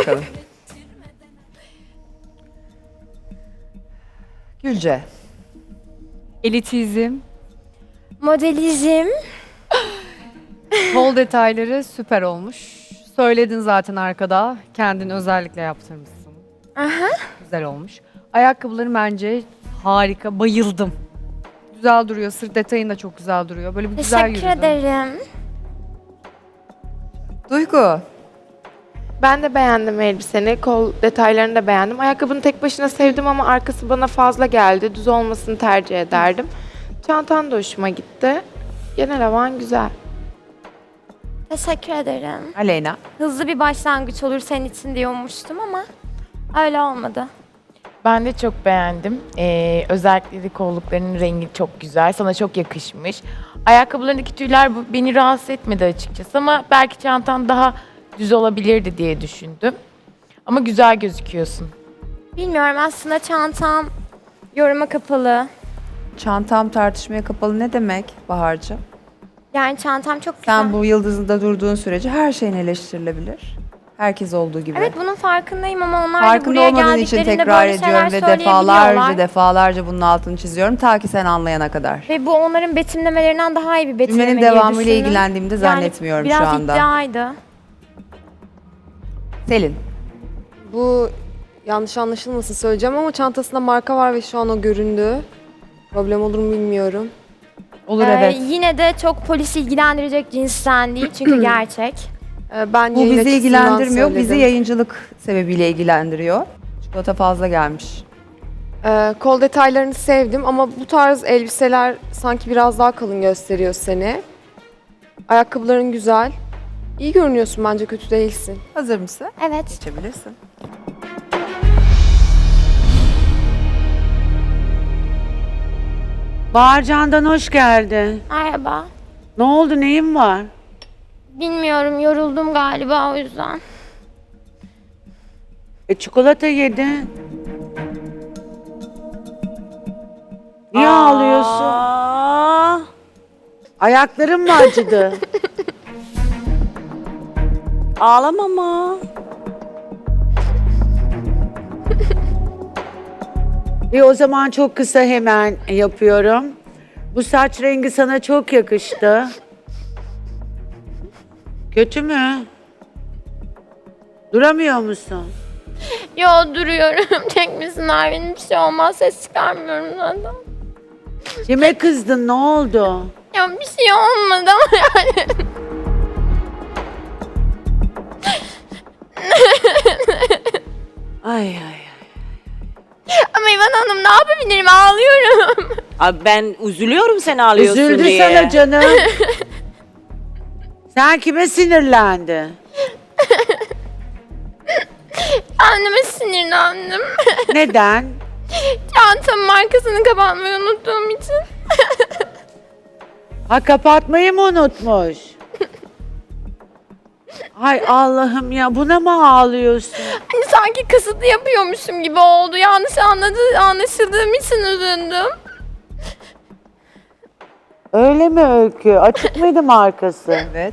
bakalım. Gülce. Elitizm, Modelizm. kol detayları süper olmuş. Söyledin zaten arkada. Kendin özellikle yaptırmışsın. Aha. Güzel olmuş. Ayakkabıların bence harika. Bayıldım. Güzel duruyor. Sırt detayın da çok güzel duruyor. Böyle bir güzel Teşekkür yürüdün. ederim. Duygu. Ben de beğendim elbiseni. Kol detaylarını da beğendim. Ayakkabını tek başına sevdim ama arkası bana fazla geldi. Düz olmasını tercih ederdim. Çantan da hoşuma gitti. Genel havan güzel. Teşekkür ederim. Aleyna. Hızlı bir başlangıç olur senin için diye ummuştum ama öyle olmadı. Ben de çok beğendim. Özellikle de kolluklarının rengi çok güzel. Sana çok yakışmış. Ayakkabılarındaki tüyler beni rahatsız etmedi açıkçası ama belki çantan daha düz olabilirdi diye düşündüm. Ama güzel gözüküyorsun. Bilmiyorum, aslında çantam yoruma kapalı. Çantam tartışmaya kapalı ne demek Bahar'cığım? Yani çantam çok güzel. Sen bu yıldızında durduğun sürece her şeyin eleştirilebilir. Herkes olduğu gibi. Evet, bunun farkındayım ama onlar da Farkında buraya olmadığın için geldiklerinde tekrar böyle şeyler ediyorum ve söyleyebiliyorlar. defalarca bunun altını çiziyorum ta ki sen anlayana kadar. Ve bu onların betimlemelerinden daha iyi bir betimleme Cümlenin diye devamıyla düşündüm. ilgilendiğimde zannetmiyorum yani şu biraz anda. iddiaydı. Selin. Bu yanlış anlaşılmasın söyleyeceğim ama çantasında marka var ve şu an o göründü. Problem olur mu bilmiyorum. Olur evet. Yine de çok polis ilgilendirecek cinsten değil çünkü gerçek. Ben Bu yayın bizi açısından ilgilendirmiyor. Bizi söyledim. yayıncılık sebebiyle ilgilendiriyor. Çikolata fazla gelmiş. Kol detaylarını sevdim ama bu tarz elbiseler sanki biraz daha kalın gösteriyor seni. Ayakkabıların güzel. İyi görünüyorsun, bence kötü değilsin. Hazır mısın? Evet. Geçebilirsin. Bağırcan'dan hoş geldin. Merhaba. Ne oldu, neyin var? Bilmiyorum, yoruldum galiba o yüzden. Çikolata yedin. Niye ağlıyorsun? Ayakların mı acıdı? Ağlama ama. O zaman çok kısa hemen yapıyorum. Bu saç rengi sana çok yakıştı. Kötü mü? Duramıyor musun? Yo, duruyorum. Tek misin benim, bir şey olmaz. Ses çıkarmıyorum zaten. Kime kızdın, ne oldu? Ya bir şey olmadı ama yani. Ay ay ay. Ama İvan Hanım, ne yapabilirim? Ağlıyorum. Abi ben üzülüyorum sen ağlıyorsun Üzüldü diye. sana canım. Sen kime sinirlendin? Anneme sinirlendim. Neden? Çantamın markasını kapatmayı unuttuğum için. Ha, kapatmayı mı unutmuş? Ay Allah'ım ya, buna mı ağlıyorsun? Hani sanki kasıtlı yapıyormuşum gibi oldu. Yanlış anlaşıldığım için üzüldüm. Öyle mi Öykü? Açık mıydı markası? Evet.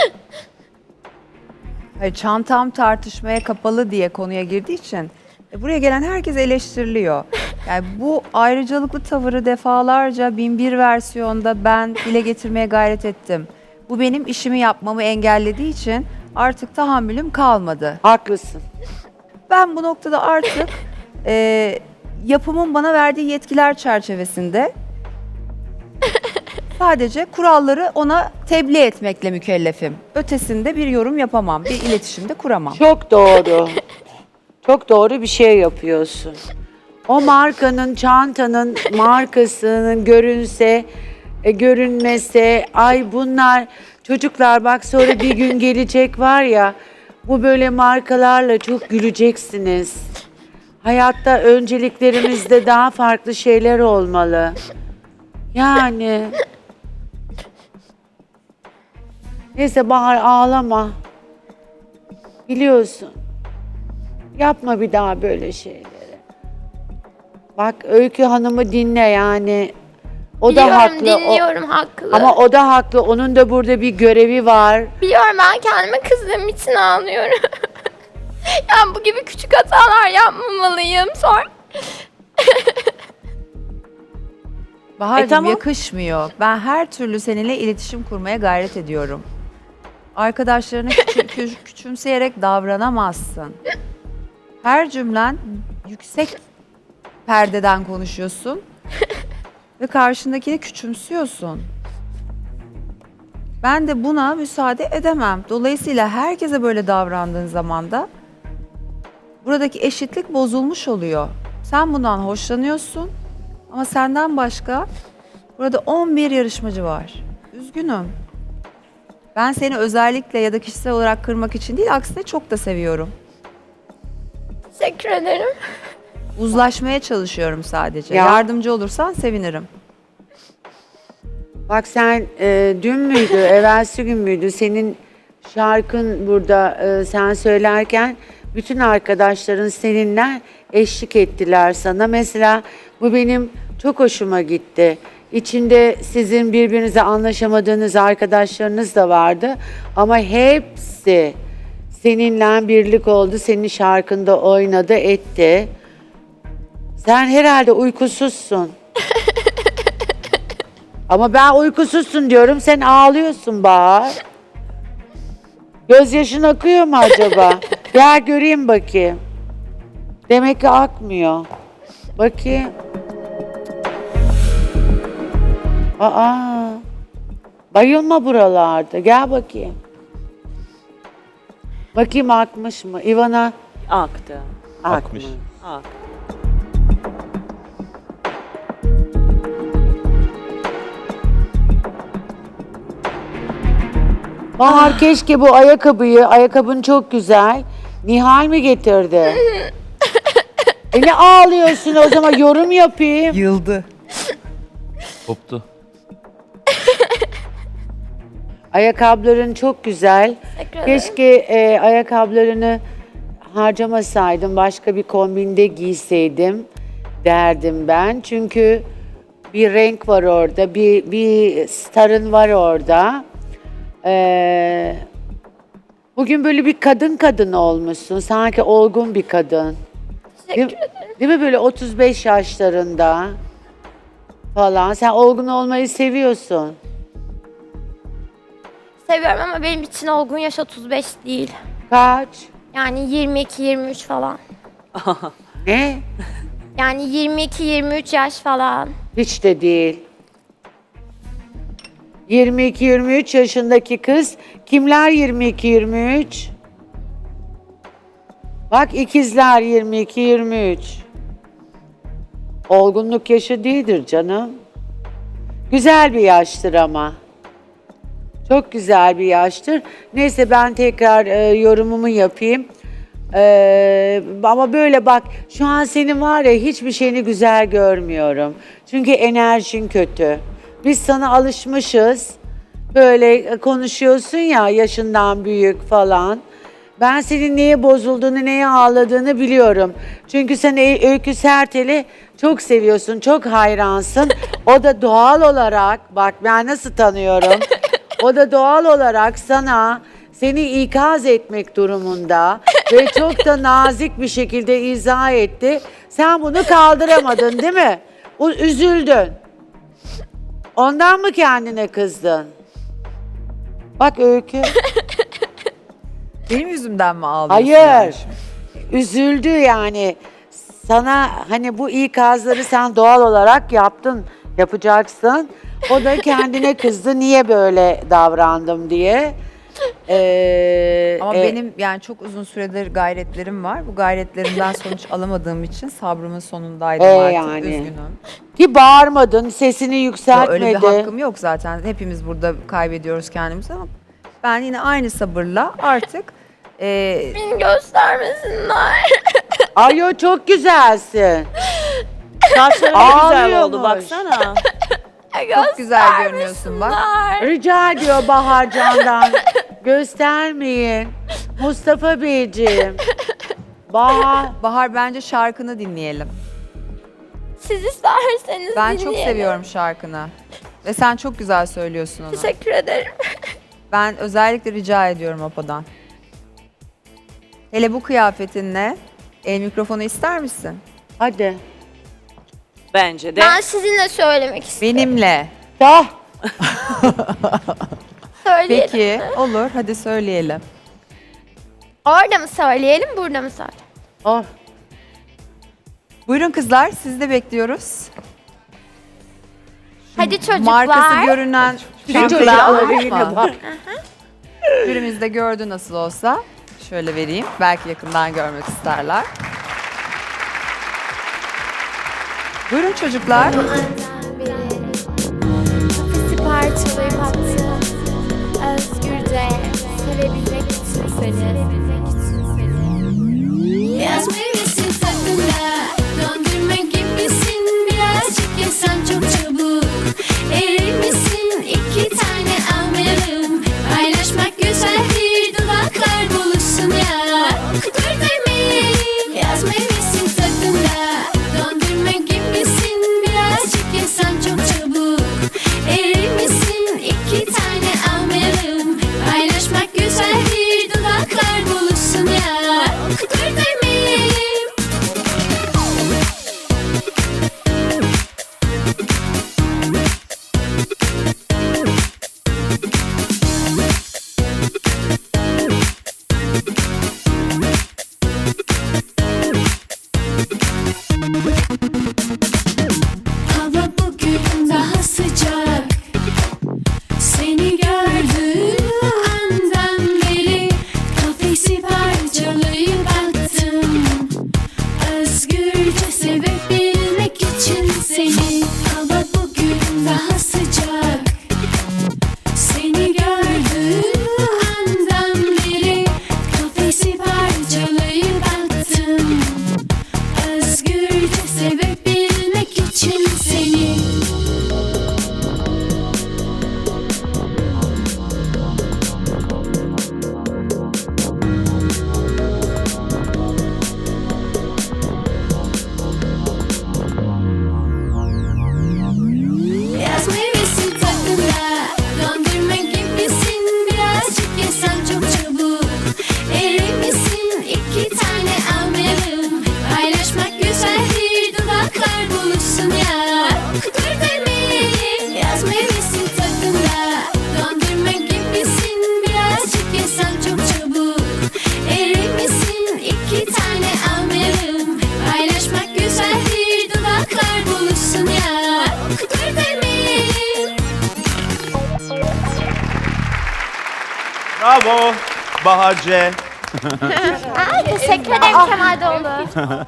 Hayır, çantam tartışmaya kapalı diye konuya girdiği için buraya gelen herkes eleştiriliyor. Yani bu ayrıcalıklı tavırı defalarca 1001 versiyonda ben dile getirmeye gayret ettim. Bu benim işimi yapmamı engellediği için artık tahammülüm kalmadı. Haklısın. Ben bu noktada artık yapımın bana verdiği yetkiler çerçevesinde sadece kuralları ona tebliğ etmekle mükellefim. Ötesinde bir yorum yapamam, bir iletişimde kuramam. Çok doğru. Çok doğru bir şey yapıyorsun. O markanın, çantanın markasının görünse, görünmese, ay bunlar çocuklar bak sonra bir gün gelecek var ya, bu böyle markalarla çok güleceksiniz. Hayatta önceliklerimizde daha farklı şeyler olmalı. Yani. Neyse Bahar, ağlama. Biliyorsun. Yapma bir daha böyle şeyleri. Bak Öykü Hanım'ı dinle yani. O da haklı. Dinliyorum, haklı. Ama o da haklı. Onun da burada bir görevi var. Biliyorum, ben kendime kızdığım için ağlıyorum. Yani bu gibi küçük hatalar yapmamalıyım. Sonra Bahar'cığım tamam. yakışmıyor. Ben her türlü seninle iletişim kurmaya gayret ediyorum. Arkadaşlarını küçümseyerek davranamazsın. Her cümlen yüksek perdeden konuşuyorsun ve karşındakini küçümsüyorsun. Ben de buna müsaade edemem. Dolayısıyla herkese böyle davrandığın zaman da buradaki eşitlik bozulmuş oluyor. Sen bundan hoşlanıyorsun ama senden başka burada 11 yarışmacı var. Üzgünüm. Ben seni özellikle ya da kişisel olarak kırmak için değil, aksine çok da seviyorum. teşekkür ederim. Uzlaşmaya çalışıyorum sadece. Ya. Yardımcı olursan sevinirim. Bak sen dün müydü, evvelsi gün müydü senin şarkın burada sen söylerken bütün arkadaşların seninle eşlik ettiler sana. Mesela bu benim çok hoşuma gitti. İçinde sizin birbirinize anlaşamadığınız arkadaşlarınız da vardı ama hepsi seninle birlik oldu, senin şarkında oynadı, etti. Sen herhalde uykusuzsun. Ama ben uykusuzsun diyorum, sen ağlıyorsun Bahar. Gözyaşın akıyor mu acaba? Gel göreyim bakayım. Demek ki akmıyor. Bakayım. Aa, bayılma buralarda. Gel bakayım. Bakayım akmış mı? İvana Aktı. akmış. Aktı. Bahar keşke bu ayakkabın çok güzel. Nihal mi getirdi? Ne ağlıyorsun o zaman, yorum yapayım. Yıldı. Koptu. Ayakkabıların çok güzel. Teşekkür ederim. Keşke ayakkabılarını harcamasaydım, başka bir kombinde giyseydim derdim ben. Çünkü bir renk var orada, bir starın var orada. Bugün böyle bir kadın olmuşsun, sanki olgun bir kadın. Teşekkür ederim. Değil mi, böyle 35 yaşlarında falan. Sen olgun olmayı seviyorsun. Seviyorum ama benim için olgun yaş 35 değil. Kaç? Yani 22-23 falan. Ne? Yani 22-23 yaş falan. Hiç de değil. 22-23 yaşındaki kız. Kimler 22-23? Bak ikizler 22-23. Olgunluk yaşı değildir canım. Güzel bir yaştır ama. Çok güzel bir yaştır. Neyse ben tekrar yorumumu yapayım. Ama böyle bak, şu an senin var ya, hiçbir şeyini güzel görmüyorum. Çünkü enerjin kötü. Biz sana alışmışız. Böyle konuşuyorsun ya, yaşından büyük falan. Ben senin neye bozulduğunu, neye ağladığını biliyorum. Çünkü sen Öykü Sertel'i çok seviyorsun, çok hayransın. O da doğal olarak, bak ben nasıl tanıyorum. O da doğal olarak seni ikaz etmek durumunda ve çok da nazik bir şekilde izah etti. Sen bunu kaldıramadın değil mi? Üzüldün. Ondan mı kendine kızdın? Bak Öykü. Benim yüzümden mi ağlıyorsun? Hayır. Üzüldü yani. Sana hani bu ikazları sen doğal olarak yapacaksın. O da kendine kızdı, niye böyle davrandım diye. Ama benim yani çok uzun süredir gayretlerim var. Bu gayretlerimden sonuç alamadığım için sabrımın sonundaydım artık. Yani. Üzgünüm. Ki bağırmadın, sesini Yo, yükseltmedi. öyle bir hakkım yok zaten. Hepimiz burada kaybediyoruz kendimizi ama ben yine aynı sabırla artık Beni göstermesinler. Ay çok güzelsin. Saçları ne güzel Ağlıyormuş. oldu baksana. çok güzel görünüyorsun bak. Rica ediyor Bahar Can'dan. Göstermeyin. Mustafa Beyciğim. Bahar bence şarkını dinleyelim. Siz isterseniz Ben çok dinleyelim. seviyorum şarkını. Ve sen çok güzel söylüyorsun onu. Teşekkür ederim. Ben özellikle rica ediyorum Apo'dan. Hele bu kıyafetinle el mikrofonu ister misin? Hadi. Bence de. Ben sizinle söylemek istiyorum. Benimle. Da. Söyleyelim. Peki olur hadi söyleyelim. Orada mı söyleyelim, burada mı söyleyelim? Oh. Buyurun kızlar sizi de bekliyoruz. Hadi çocuklar. Markası görünen çantaları Çocuklar yine almış mı? bak. Jürimiz de gördü nasıl olsa. Şöyle vereyim. Belki yakından görmek isterler. Buyurun çocuklar. Kafesi parçalayıp attım. Özgürce sevebilmek için seni. Yaz meyvesin tadında, dondurma gibisin. Birazcık yesen çok çabuk erir misin? 2 tane almayalım. Paylaşmak güzeldir, dudaklar buluşsun ya. Dur demeyelim. Yaz meyvesin tadında, dondurma gibisin. Birazcık yesen çok çabuk erir misin? 2 tane almayalım. Paylaşmak güzeldir, dudaklar buluşsun ya. Dur demeyelim. Hava bugün daha sıcak. Seni gördüğüm andan beri kafesi parçalayıp attım. Özgürce sevebilmek için seni. Hava bugün daha sıcak. Seni gördüğüm andan beri kafesi parçalayıp attım. Özgürce sevebilmek için seni. Yaz meyvesin tadında, dondurma gibisin. Birazcık yesen çok çabuk erir misin? 2 tane almayalım. Paylaşmak güzeldir, dudaklar buluşsun ya. Dur demeyelim. Yaz meyvesin tadında, dondurma gibisin. Birazcık yesen çok çabuk erir misin? 2 tane almayalım. Paylaşmak güzeldir, dudaklar buluşsun ya. Dur demeyelim. Bravo Bahar C. Teşekkür ederim Kemal Doğulu.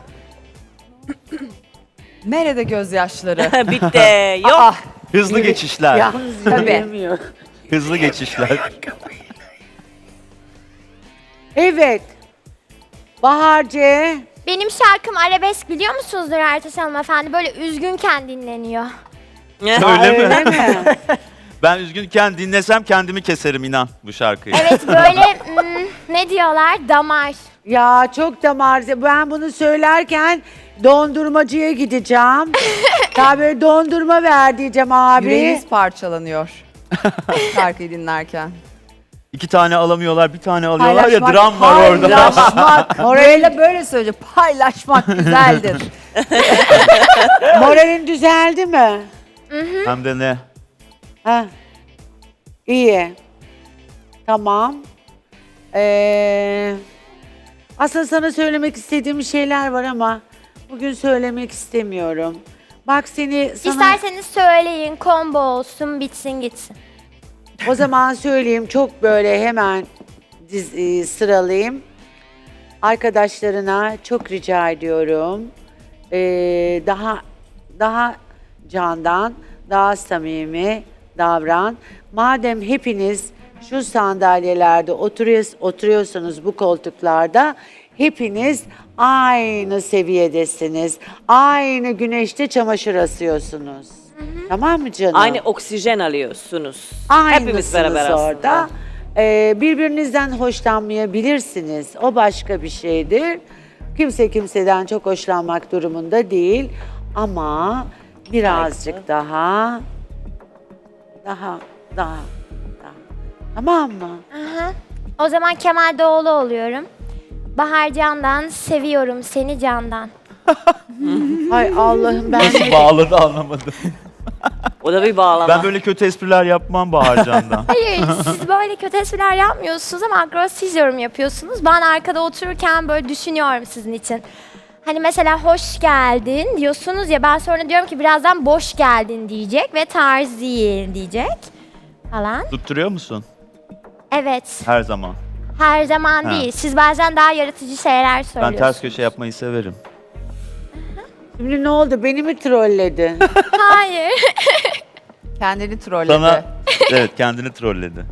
Nerede gözyaşları? Bitti. Yok. Ah, Hızlı geçişler. Yalnız Tabii. yürüyemiyor. Hızlı geçişler. Evet. Bahar C. Benim şarkım arabesk biliyor musunuzdur Ertaş hanımefendi? Böyle üzgünken dinleniyor. Öyle mi? mi? Ben üzgünken dinlesem kendimi keserim inan bu şarkıyı. Evet böyle ne diyorlar? Damar. Ya çok damar. Ben bunu söylerken dondurmacıya gideceğim. Ya böyle dondurma ver diyeceğim abi. yüreğiniz parçalanıyor. Şarkıyı dinlerken. 2 tane alamıyorlar, bir tane alıyorlar ya Paylaşmak, dram var orada. Paylaşmak. Moral'le böyle söyleyecek. Paylaşmak güzeldir. Moralin düzeldi mi? Hem de ne? Ha. İyi. Tamam. Aslında sana söylemek istediğim şeyler var ama bugün söylemek istemiyorum. Bak sana İsterseniz söyleyin, combo olsun, bitsin gitsin. o zaman söyleyeyim çok böyle hemen sıralayayım. Arkadaşlarına çok rica ediyorum. Daha candan, daha samimi davran. Madem hepiniz şu sandalyelerde oturuyorsunuz bu koltuklarda, hepiniz aynı seviyedesiniz. Aynı güneşte çamaşır asıyorsunuz. Tamam mı canım? Aynı oksijen alıyorsunuz. Aynısınız Hepimiz beraber orada. aslında. Birbirinizden hoşlanmayabilirsiniz. O başka bir şeydir. Kimse kimseden çok hoşlanmak durumunda değil. Ama birazcık daha. O zaman Kemal Doğulu oluyorum. Bahar Can'dan seviyorum seni candan. Hay Allah'ım ben Nasıl bağladı anlamadım. O da bir bağlama. Ben böyle kötü espriler yapmam Baharcan'dan. Hayır siz böyle kötü espriler yapmıyorsunuz ama agresif yorum yapıyorsunuz. Ben arkada otururken böyle düşünüyorum sizin için. Hani mesela hoş geldin diyorsunuz ya, ben sonra diyorum ki birazdan boş geldin diyecek ve tarz değil diyecek falan. Tutturuyor musun? Evet, Her zaman. her zaman Ha. değil. Siz bazen daha yaratıcı şeyler Ben söylüyorsunuz. ters köşe yapmayı severim. Şimdi ne oldu? Beni mi trolledin? Hayır. Kendini trolledi. Sana evet kendini trolledi.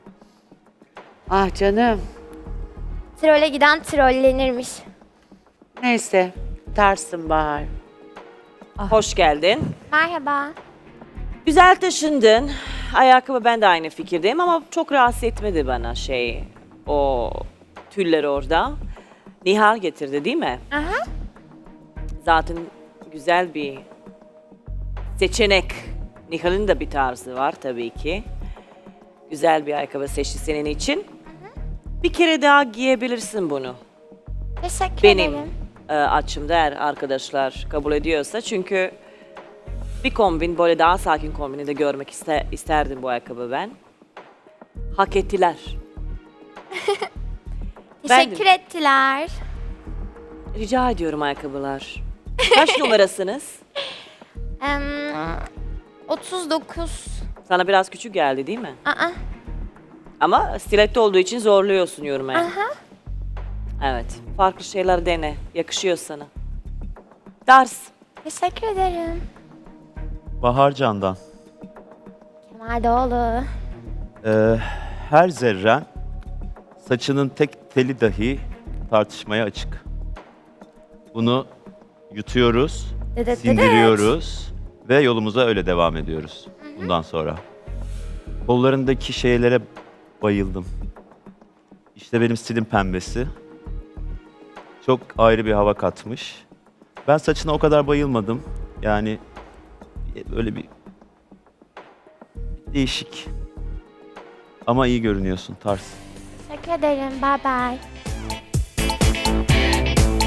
Ah canım. Trole giden trollenirmiş. Neyse. Tersin Bahar. Hoş geldin. Merhaba. Güzel taşındın. Ayakkabı ben de aynı fikirdeyim ama çok rahatsız etmedi bana o tüller orada. Nihal getirdi değil mi? Aha. Zaten güzel bir seçenek. Nihal'in de bir tarzı var tabii ki. Güzel bir ayakkabı seçti senin için. Bir kere daha giyebilirsin bunu. Teşekkür Benim ederim. açımda eğer arkadaşlar kabul ediyorsa. Çünkü bir kombin, böyle daha sakin kombini de görmek isterdim bu ayakkabı ben. Hak ettiler. Ben de- Teşekkür ettiler. Rica ediyorum ayakkabılar. Kaç numarasınız? 39. Sana biraz küçük geldi değil mi? Aa. Ama stiletto olduğu için zorluyorsun yorumaya. Aha. Evet. Farklı şeyler dene. Yakışıyor sana. Ders. Teşekkür ederim. Baharcan'dan. Kemal Doğulu. Her zerren saçının tek teli dahi tartışmaya açık. Bunu yutuyoruz, Dıdıt sindiriyoruz ve yolumuza öyle devam ediyoruz bundan sonra. Kollarındaki şeylere bayıldım. İşte benim stilim pembesi. Çok ayrı bir hava katmış. Ben saçına o kadar bayılmadım. Yani öyle bir değişik. Ama iyi görünüyorsun tarz. Teşekkür ederim. Bye bye.